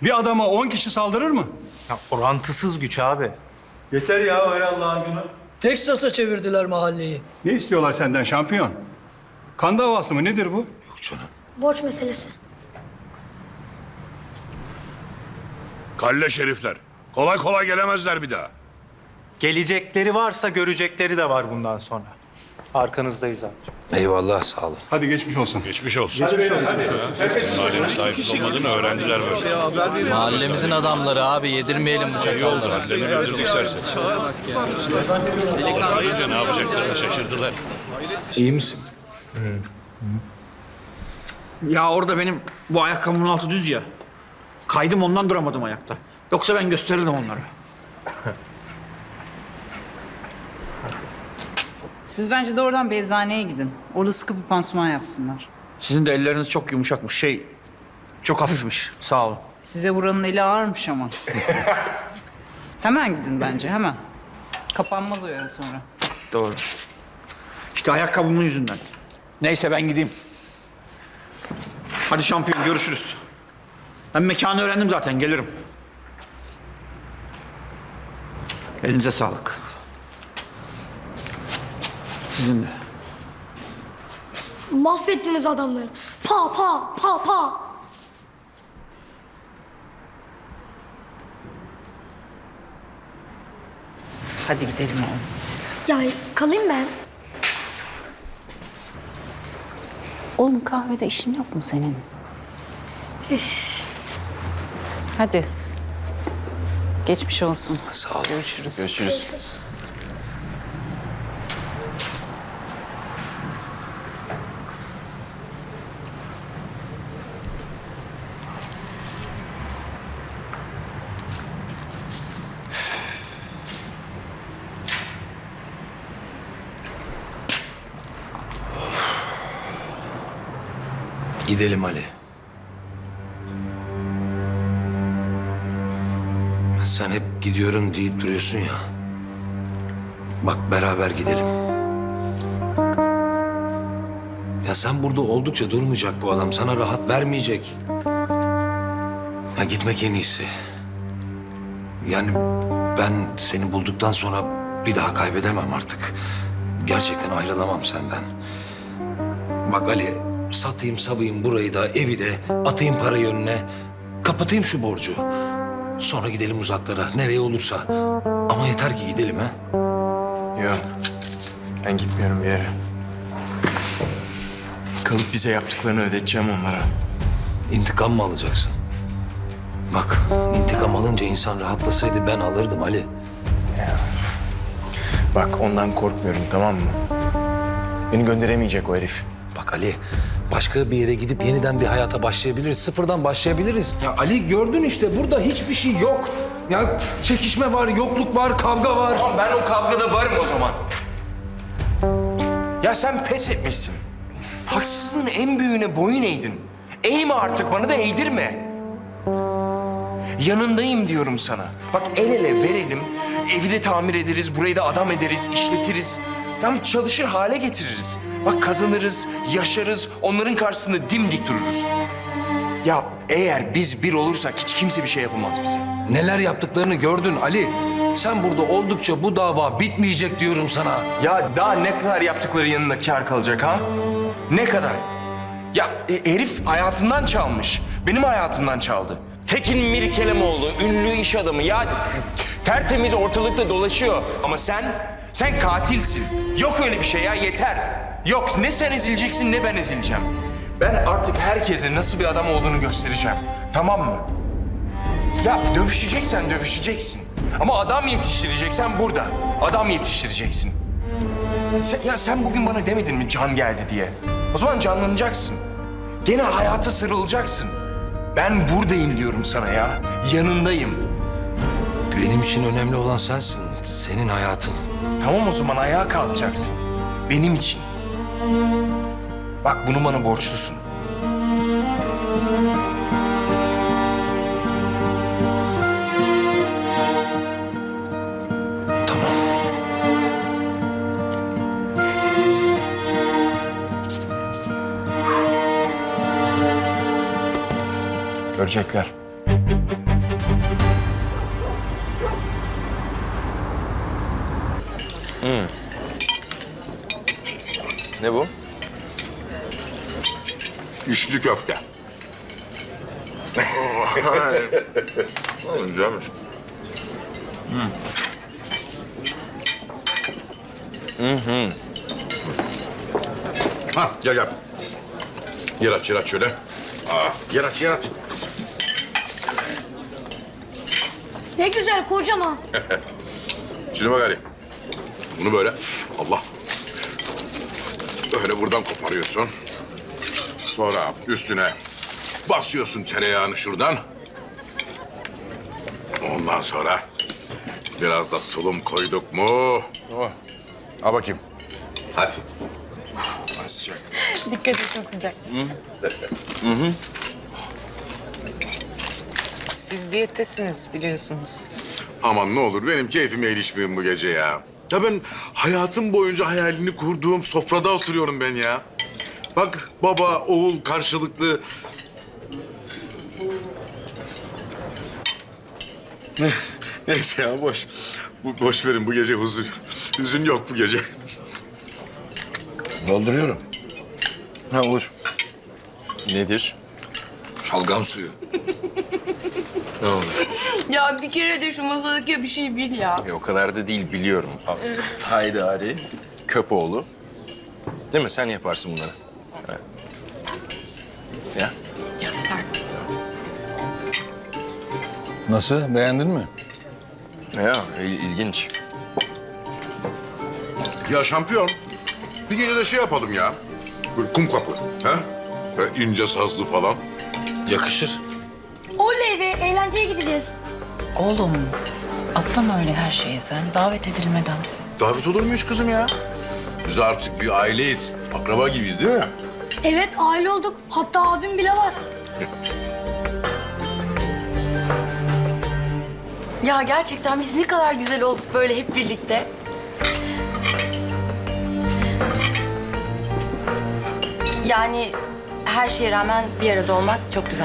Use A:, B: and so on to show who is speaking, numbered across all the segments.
A: Bir adama 10 kişi saldırır mı?
B: Ya orantısız güç abi.
A: Yeter ya öyle Allah'ın günü.
C: Teksas'a çevirdiler mahalleyi.
A: Ne istiyorlar senden şampiyon? Kan davası mı nedir bu?
D: Yok canım.
E: Borç meselesi.
F: Kalle şerifler. Kolay kolay gelemezler bir daha.
B: Gelecekleri varsa görecekleri de var bundan sonra. Arkanızdayız abi.
D: Eyvallah, sağ olun.
A: Hadi geçmiş olsun.
F: Geçmiş olsun. Geçmiş olsun. Mahallenin sahipsiz olmadığını öğrendiler böyle.
G: Mahallemizin adamları abi, yedirmeyelim bu çakalları.
F: Mahallenin öldürdük serseri. Delikanlı ne yapacaklarını şaşırdılar.
D: İyi misin?
H: Ya orada benim bu ayakkabımın altı düz ya. Kaydım ondan duramadım ayakta. Yoksa ben gösterirdim onlara.
I: Siz bence doğrudan bir eczaneye gidin. Orada sıkı bir pansuman yapsınlar.
H: Sizin de elleriniz çok yumuşakmış. Çok hafifmiş. Sağ olun.
I: Size buranın eli ağırmış ama. Hemen gidin bence, hemen. Kapanmaz o yara sonra.
H: Doğru. İşte ayakkabımın yüzünden. Neyse ben gideyim. Hadi şampiyon görüşürüz. Ben mekanı öğrendim zaten gelirim. Elinize sağlık. Sizin de.
E: Mahvettiniz adamları. Pa pa pa pa.
I: Hadi gidelim oğlum.
E: Ya kalayım ben.
J: Oğlum kahvede işin yok mu senin?
E: Üf.
I: Hadi. Geçmiş olsun.
D: Sağ olun.
I: Görüşürüz.
D: Görüşürüz. Gidelim Ali. Sen hep gidiyorum deyip duruyorsun ya. Bak beraber gidelim. Ya sen burada oldukça durmayacak bu adam. Sana rahat vermeyecek. Ya gitmek en iyisi. Yani ben seni bulduktan sonra bir daha kaybedemem artık. Gerçekten ayrılamam senden. Bak Ali, satayım savayım burayı da evi de atayım parayı önüne. Kapatayım şu borcu. Sonra gidelim uzaklara nereye olursa. Ama yeter ki gidelim ha.
K: Yok. Ben gitmiyorum bir yere. Kalıp bize yaptıklarını ödeteceğim onlara.
D: İntikam mı alacaksın? Bak intikam alınca insan rahatlasaydı ben alırdım Ali.
K: Bak ondan korkmuyorum, tamam mı? Beni gönderemeyecek o herif.
D: Bak Ali başka bir yere gidip yeniden bir hayata başlayabiliriz. Sıfırdan başlayabiliriz. Ya Ali gördün işte burada hiçbir şey yok. Ya çekişme var, yokluk var, kavga var.
K: Tamam, ben o kavgada varım o zaman. Ya sen pes etmişsin. Haksızlığın en büyüğüne boyun eğdin. Eğme artık, bana da eğdirme. Yanındayım diyorum sana. Bak el ele verelim, evi de tamir ederiz, burayı da adam ederiz, işletiriz. Tam çalışır hale getiririz. Bak kazanırız, yaşarız, onların karşısında dimdik dururuz. Ya eğer biz bir olursak hiç kimse bir şey yapamaz bize.
D: Neler yaptıklarını gördün Ali. Sen burada oldukça bu dava bitmeyecek diyorum sana.
K: Ya daha ne kadar yaptıkları yanında kâr kalacak ha? Ne kadar? Ya herif hayatından çalmış. Benim hayatımdan çaldı. Tekin Mirkelemoğlu, ünlü iş adamı. Ya tertemiz ortalıkta dolaşıyor. Ama sen katilsin. Yok öyle bir şey ya, yeter. Yok, ne sen ezileceksin ne ben ezileceğim. Ben artık herkese nasıl bir adam olduğunu göstereceğim. Tamam mı? Ya dövüşeceksen dövüşeceksin. Ama adam yetiştireceksen burada. Adam yetiştireceksin. Sen bugün bana demedin mi can geldi diye? O zaman canlanacaksın. Gene hayata sarılacaksın. Ben buradayım diyorum sana ya. Yanındayım.
D: Benim için önemli olan sensin. Senin hayatın.
K: Tamam o zaman ayağa kalkacaksın. Benim için. Bak bunu bana borçlusun.
D: Tamam.
K: Görecekler. Ne bu?
F: İçli köfte. Güzelmiş. Ha, gel gel. Yer aç şöyle. Yer aç.
E: Ne güzel kocaman.
F: Şimdi bak Ali. Bunu böyle, Allah. Böyle buradan koparıyorsun. Sonra üstüne basıyorsun tereyağını şuradan. Ondan sonra biraz da tulum koyduk mu?
K: Oh. Al bakayım.
F: Hadi.
K: Sıcak.
J: Dikkat et, çok sıcak.
I: Siz diyettesiniz biliyorsunuz.
F: Aman ne olur benim keyfime erişmeyin bu gece ya. Ya ben hayatım boyunca hayalini kurduğum sofrada oturuyorum ben ya. Bak baba, oğul karşılıklı. Neyse ya boş verin bu gece hüzün yok bu gece.
D: Dolduruyorum.
K: Ha olur. Nedir?
D: Şalgam suyu.
K: Ne olur?
J: Ya bir kere de şu masadaki bir şey bil ya.
K: O kadar da değil biliyorum. Haydari, Köpoğlu. Değil mi? Sen yaparsın bunları. Evet. Ya.
G: Nasıl? Beğendin mi?
K: Ya ilginç.
F: Ya şampiyon, bir gece de şey yapalım ya. Böyle kum kapı, ha? Böyle ince sazlı falan.
D: Yakışır.
E: Oley be eğlenceye gideceğiz.
I: Oğlum atlama öyle her şeye sen. Davet edilmeden.
F: Davet olur muyuz kızım ya? Biz artık bir aileyiz. Akraba gibiyiz değil mi?
E: Evet aile olduk. Hatta abim bile var.
J: Ya gerçekten biz ne kadar güzel olduk böyle hep birlikte. Yani her şeye rağmen bir arada olmak çok güzel.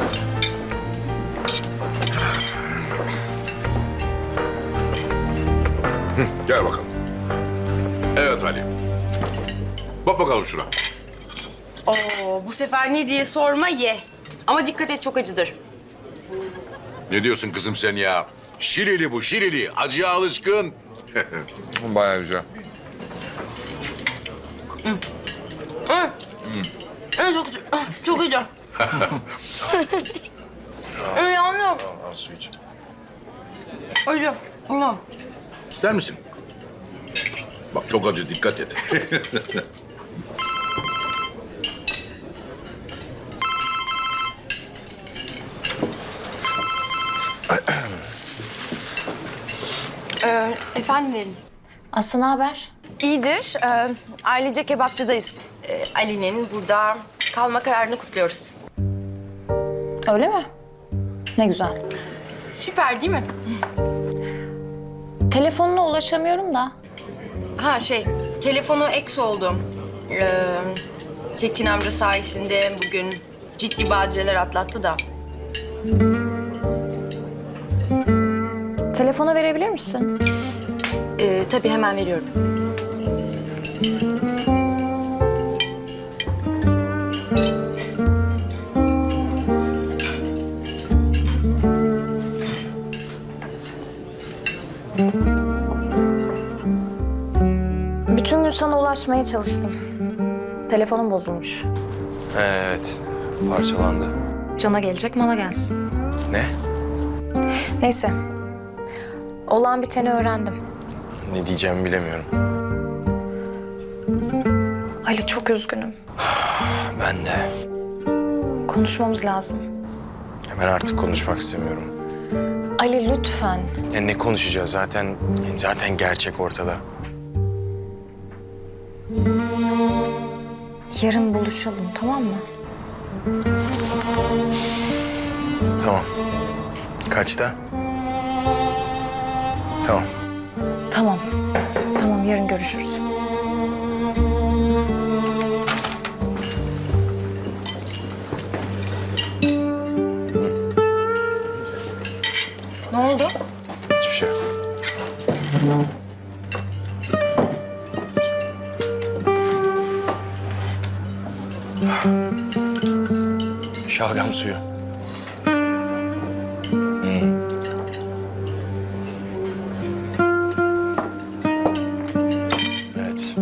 F: Gel bakalım. Evet Ali. Bak bakalım şuna.
J: Oo, bu sefer ne diye sorma ye. Ama dikkat et çok acıdır.
F: Ne diyorsun kızım sen ya? Şirili bu, şirili. Acıya alışkın.
K: Bayağı güzel.
J: Çok güzel. Çok güzel. Yanıyorum.
K: Al su iç.
J: Acı. Yanıyorum.
F: İster misin? Bak çok acı, dikkat et.
J: Efendim Nerin?
E: Aslı ne haber?
J: İyidir. Ailece kebapçıdayız. Ali'nin burada kalma kararını kutluyoruz.
E: Öyle mi? Ne güzel.
J: Süper değil mi?
E: Telefonuna ulaşamıyorum da.
J: Ha telefonu eks oldu. Tekin amca sayesinde bugün ciddi badireler atlattı da.
E: Telefonu verebilir misin?
J: Tabii hemen veriyorum.
E: Bütün gün sana ulaşmaya çalıştım. Telefonum bozulmuş.
K: Evet. Parçalandı.
E: Cana gelecek mala gelsin.
K: Ne?
E: Neyse. Olan biteni öğrendim.
K: Ne diyeceğimi bilemiyorum.
E: Ali çok üzgünüm.
K: Ben de.
E: Konuşmamız lazım.
K: Ben artık konuşmak istemiyorum.
E: Ali lütfen.
K: Ya ne konuşacağız zaten gerçek ortada.
E: Yarın buluşalım tamam mı?
K: Tamam. Kaçta? Tamam.
E: Tamam. Tamam yarın görüşürüz.
J: Ne oldu?
K: Hiçbir şey yok. şalgam suyu. Evet.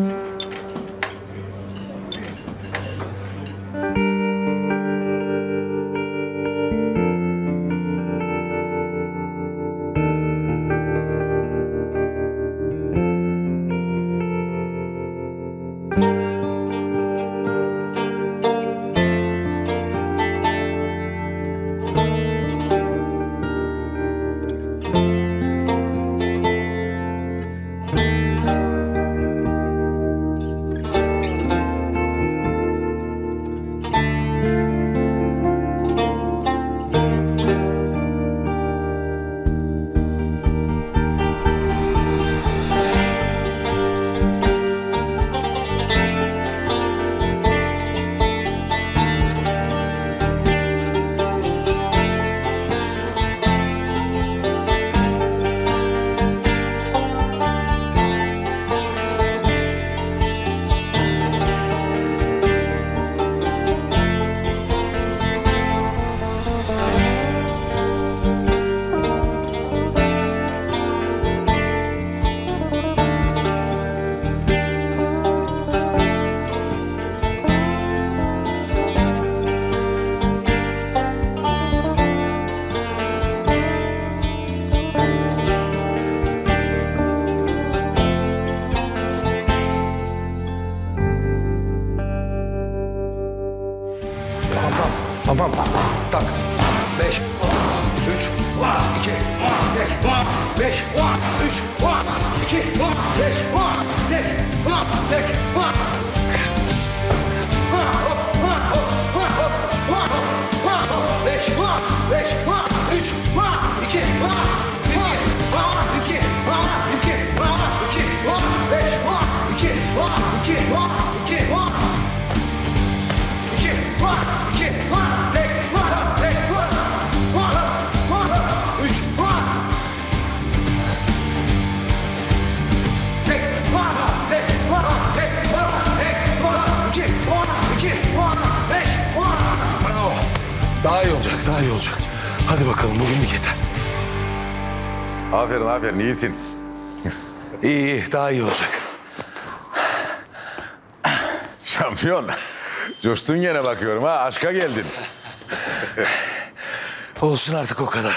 D: Tamam. Tak. 5, 3, 2, tek. 5, 3, 2, 5, tek. Tek. 5, 3, 2, Daha iyi olacak. Hadi bakalım bugünlük yeter.
F: Aferin iyisin.
D: İyi, daha iyi olacak.
F: Şampiyon. Coştun gene bakıyorum ha. Aşka geldin.
D: Olsun artık o kadar.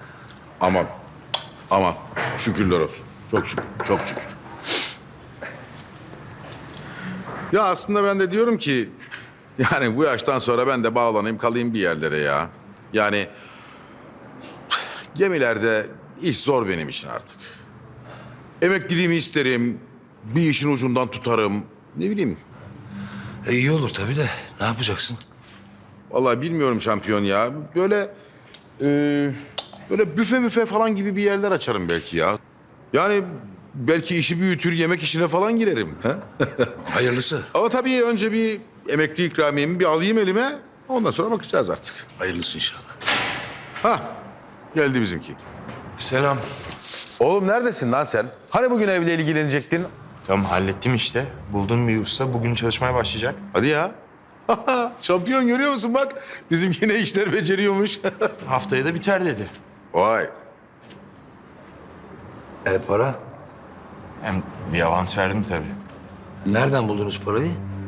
F: Aman. Şükürler olsun. Çok şükür. Çok şükür. Ya aslında ben de diyorum ki... Yani bu yaştan sonra ben de bağlanayım kalayım bir yerlere ya. Yani... Gemilerde iş zor benim için artık. Emekliliğimi isterim. Bir işin ucundan tutarım. Ne bileyim.
D: İyi olur tabii de. Ne yapacaksın?
F: Vallahi bilmiyorum şampiyon ya. Böyle böyle büfe falan gibi bir yerler açarım belki ya. Yani belki işi büyütür, yemek işine falan girerim. Ha?
D: Hayırlısı.
F: Ama tabii önce bir emekli ikramiyemi bir alayım elime. Ondan sonra bakacağız artık.
D: Hayırlısı inşallah.
F: Ha, geldi bizimki.
K: Selam.
F: Oğlum neredesin lan sen? Hani bugün evle ilgilenecektin?
K: Tamam hallettim işte. Buldum bir usta. Bugün çalışmaya başlayacak.
F: Hadi ya. Şampiyon görüyor musun bak? Bizimki ne işler beceriyormuş.
K: Haftaya da biter dedi.
F: Vay.
D: Para?
K: Hem bir avans verdim tabii.
D: Nereden buldunuz parayı?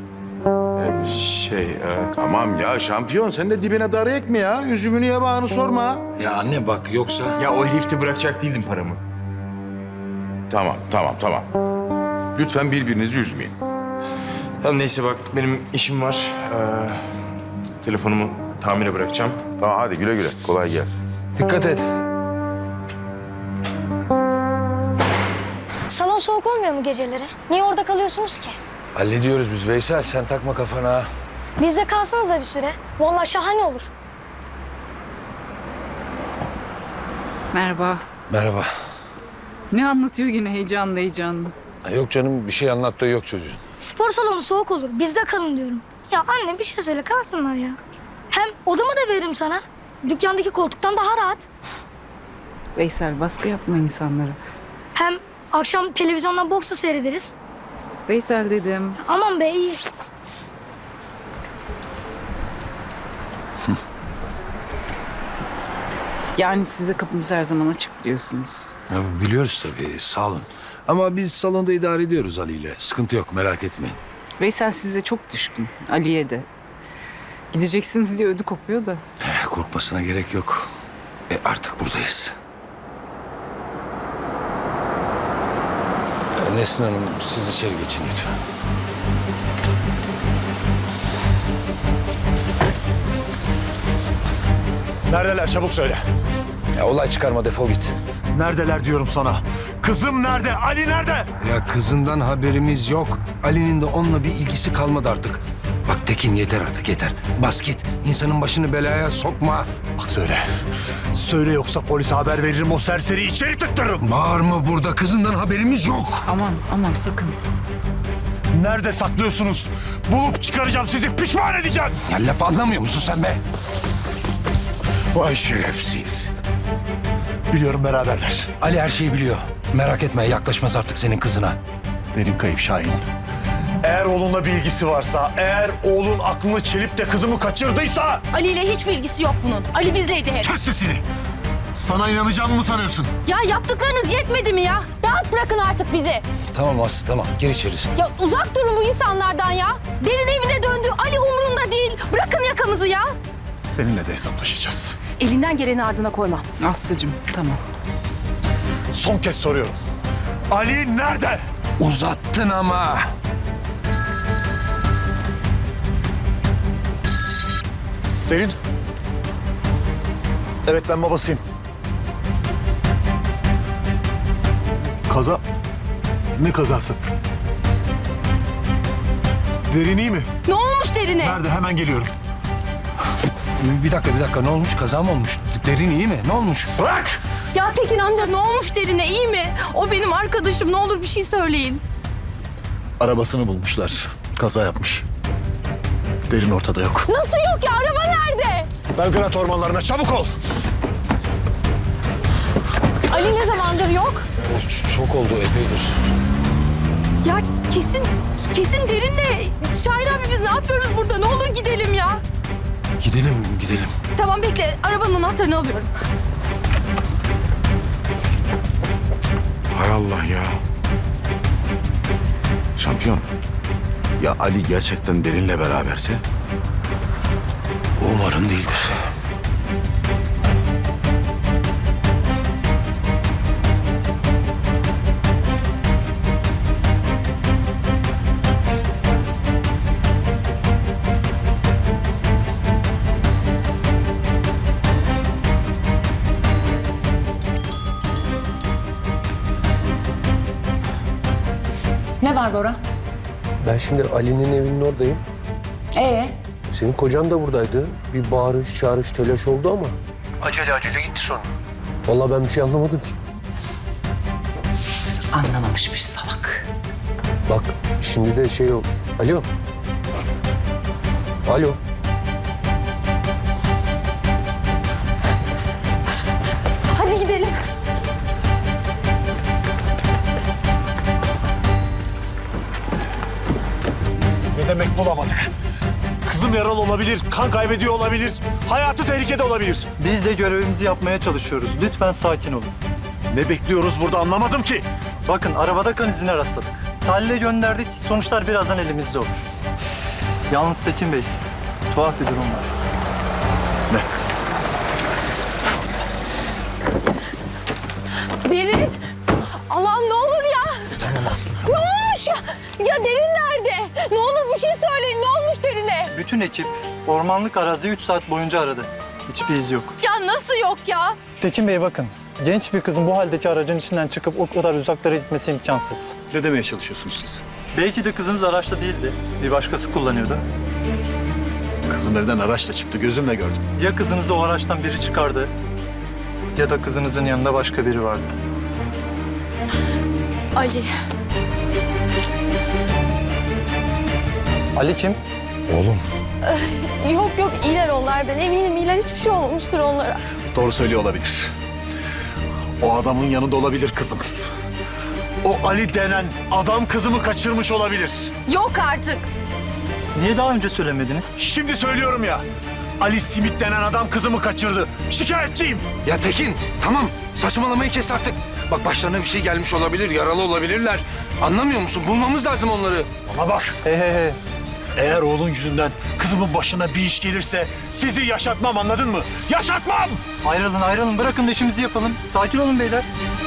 F: Tamam ya şampiyon sen de dibine darayık mı ya? Üzümünü yabağını sorma.
D: Ya anne bak yoksa...
K: Ya o herifte bırakacak değildim paramı.
F: Tamam. Lütfen birbirinizi üzmeyin.
K: Tamam neyse bak benim işim var. Telefonumu tamire bırakacağım.
F: Tamam hadi güle güle. Kolay gelsin.
D: Dikkat et.
E: Salon soğuk olmuyor mu geceleri? Niye orada kalıyorsunuz ki?
D: Hallediyoruz biz Veysel. Sen takma kafana.
E: Bizde kalsanız da bir süre. Vallahi şahane olur.
I: Merhaba.
D: Merhaba.
I: Ne anlatıyor yine heyecanlı?
D: Yok canım bir şey anlattığı yok çocuğun.
E: Spor salonu soğuk olur. Bizde kalın diyorum. Ya anne bir şey söyle kalsınlar ya. Hem odamı da veririm sana. Dükkandaki koltuktan daha rahat.
I: Veysel baskı yapma insanlara.
E: Hem akşam televizyondan boksu seyrederiz.
I: Veysel dedim.
E: Aman be iyi.
I: Yani size kapımız her zaman açık biliyorsunuz.
D: Ya, biliyoruz tabii, sağ olun. Ama biz salonda idare ediyoruz Ali ile. Sıkıntı yok, merak etmeyin.
I: Veysel size çok düşkün. Ali'ye de. Gideceksiniz diye ödü kopuyor da.
D: Korkmasına gerek yok. Artık buradayız. Nesrin Hanım, siz içeri geçin lütfen.
L: Neredeler çabuk söyle.
D: Ya olay çıkarma, defol git.
L: Neredeler diyorum sana. Kızım nerede? Ali nerede?
D: Ya kızından haberimiz yok. Ali'nin de onunla bir ilgisi kalmadı artık. Bak Tekin, yeter artık, yeter. Bas git. İnsanın başını belaya sokma.
L: Bak söyle. Söyle yoksa polise haber veririm, o serseri içeri tıktırırım.
D: Bağırma burada. Kızından haberimiz yok.
I: Aman sakın.
L: Nerede saklıyorsunuz? Bulup çıkaracağım sizi, pişman edeceğim.
D: Ya laf anlamıyor musun sen be?
F: Vay şerefsiz.
L: Biliyorum beraberler.
D: Ali her şeyi biliyor. Merak etme, yaklaşmaz artık senin kızına.
L: Derin kayıp Şahin. Eğer oğlunla bir ilgisi varsa, eğer oğlun aklını çelip de kızımı kaçırdıysa...
J: Ali ile hiçbir ilgisi yok bunun. Ali bizleydi hep.
L: Kes sesini. Sana inanacağımı mı sanıyorsun?
J: Ya yaptıklarınız yetmedi mi ya? Rahat bırakın artık bizi.
D: Tamam Aslı, tamam. Gir içeri.
J: Ya uzak durun bu insanlardan ya. Derin evine döndü. Ali umurunda değil. Bırakın yakamızı ya.
L: Seninle de hesaplaşacağız.
J: Elinden geleni ardına koyma.
I: Aslı'cığım tamam.
L: Son kez soruyorum. Ali nerede?
D: Uzattın ama.
L: Derin. Evet, ben babasıyım. Kaza? Ne kazası? Derin iyi mi?
J: Ne olmuş Derin'e?
L: Nerede? Hemen geliyorum.
D: Bir dakika. Ne olmuş? Kaza mı olmuş? Derin iyi mi? Ne olmuş?
L: Bırak!
J: Ya Tekin amca ne olmuş Derin'e? İyi mi? O benim arkadaşım. Ne olur bir şey söyleyin.
L: Arabasını bulmuşlar. Kaza yapmış. Derin ortada yok.
J: Nasıl yok ya? Araba nerede?
L: Belgrad ormanlarına çabuk ol!
J: Ali ne zamandır yok?
D: Çok oldu, epeydir.
J: Ya kesin Derin'le. Şahin abi biz ne yapıyoruz burada? Ne olur gidelim ya.
D: Gidelim.
J: Tamam bekle. Arabanın anahtarını alıyorum.
F: Hay Allah ya. Şampiyon. Ya Ali gerçekten Derin'le beraberse?
D: Umarım değildir.
J: Ne var Bora?
M: Ben şimdi Ali'nin evinin oradayım. Senin kocan da buradaydı. Bir bağırış, çağırış, telaş oldu ama. Acele gitti sonra. Vallahi ben bir şey anlamadım ki.
I: Anlamamışmış salak.
M: Bak şimdi de şey oldu. Alo. Alo.
J: Hadi gidelim.
L: Ne demek bulamadık? Kızım yaralı olabilir, kan kaybediyor olabilir, hayatı tehlikede olabilir.
B: Biz de görevimizi yapmaya çalışıyoruz. Lütfen sakin olun.
L: Ne bekliyoruz burada anlamadım ki.
B: Bakın arabada kan izine rastladık. Tahlile gönderdik. Sonuçlar birazdan elimizde olur. Yalnız Tekin Bey, tuhaf bir durum var.
J: Derin. Allah'ım ne olur ya. Tamam Aslı. Ne olmuş ya? Ya Derin nerede? Ne olur bir şey söyleyin. Ne olmuş Derin'e?
B: Bütün ekip ormanlık araziyi 3 saat boyunca aradı. Hiçbir iz yok.
J: Ya nasıl yok ya?
B: Tekin Bey bakın, genç bir kızın bu haldeki aracın içinden çıkıp o kadar uzaklara gitmesi imkansız.
L: Ne demeye çalışıyorsunuz siz?
B: Belki de kızınız araçta değildi. Bir başkası kullanıyordu.
L: Kızım evden araçla çıktı, gözümle gördüm.
B: Ya kızınızı o araçtan biri çıkardı ya da kızınızın yanında başka biri vardı.
J: Ali.
B: Ali kim?
D: Oğlum.
J: Yok iyiler onlar. Ben eminim iyiler. Hiçbir şey olmamıştır onlara.
L: Doğru söylüyor olabilir. O adamın yanında olabilir kızım. O Ali denen adam kızımı kaçırmış olabilir.
J: Yok artık.
B: Niye daha önce söylemediniz?
L: Şimdi söylüyorum ya. Ali Simit denen adam kızımı kaçırdı. Şikayetçiyim.
D: Ya Tekin tamam saçmalamayı kes artık. Bak başlarına bir şey gelmiş olabilir, yaralı olabilirler. Anlamıyor musun? Bulmamız lazım onları.
L: Bana bak.
B: He.
L: Eğer oğlun yüzünden kızımın başına bir iş gelirse sizi yaşatmam, anladın mı? Yaşatmam!
B: Ayrılın bırakın da işimizi yapalım. Sakin olun beyler.